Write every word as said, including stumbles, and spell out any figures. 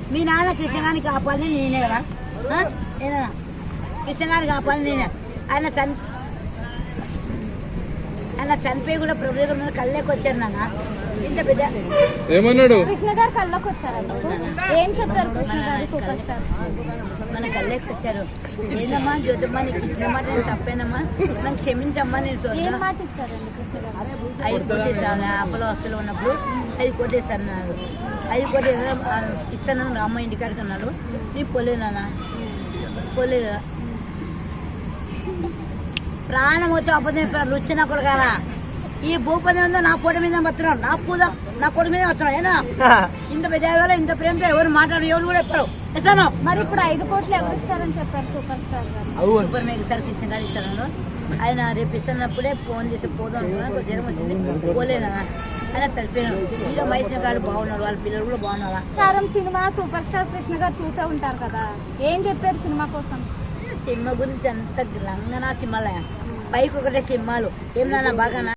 మీ నాన్న కృష్ణగారిని కాపాలని నేనే కదా ఏనా కృష్ణగారిని కాపాలని నేనే ఆయన చని ఆయన చనిపోయి కూడా ప్రభు దగ్గర కళ్ళకి వచ్చారు నాన్న ఇంత పెద్ద ఏమన్నాడు కృష్ణ గారు కళ్ళకి వచ్చారు ఏం చెప్తారు కృష్ణ గారు సూపర్ స్టార్ మన కళ్ళకి వచ్చారు ఏందమ్మా జ్యోతమ్మా నీకు ఇచ్చిన మాట నేను తప్పేనమ్మా నాకు క్షమించమ్మా నేను ఏం మాట ఇచ్చారండి కృష్ణ గారు ఐదు కోటేసాను అప్పలో హాస్టల్లో ఉన్నప్పుడు ఐదు కోటేసాను అన్నాడు ఐదు కోటి ఇస్తాను రామ్మ ఇంటికాడికి అన్నాడు నేను పోలేనా పోలేదు ప్రాణం వచ్చి అబద్ధం చెప్పారు రుచి కూడా కాదా ఈ భూపతి ఉందో నా పూట మీద వస్తున్నాడు నా పూజ నా కొడుకు మీద వస్తున్నాడు ఏనా ఇంత పెద్ద ఇంత ప్రేమతో ఎవరు మాట్లాడు ఎవరు కూడా చెప్పారు ఇస్తాను మరి ఇప్పుడు ఐదు కోట్లు ఎవరు ఇస్తారని చెప్పారు సూపర్ స్టార్ గారు సూపర్ మేఘ సార్ కృష్ణ గారు ఇస్తాను ఆయన రేపు ఇస్తున్నప్పుడే ఫోన్ చేసి పోదాం అనుకున్నా జ్వరం వచ్చింది పోలేనా ఆయన చనిపోయినాడు హీరో మహేష్ గారు బాగున్నారు వాళ్ళ పిల్లలు కూడా బాగున్నారా కారం సినిమా సూపర్ స్టార్ కృష్ణ గారు చూసే ఉంటారు కదా ఏం చెప్పారు సినిమా కోసం సినిమా గురించి అంత లంగనా సినిమాలే పైకి ఒకటే సినిమాలు ఏమన్నా బాగా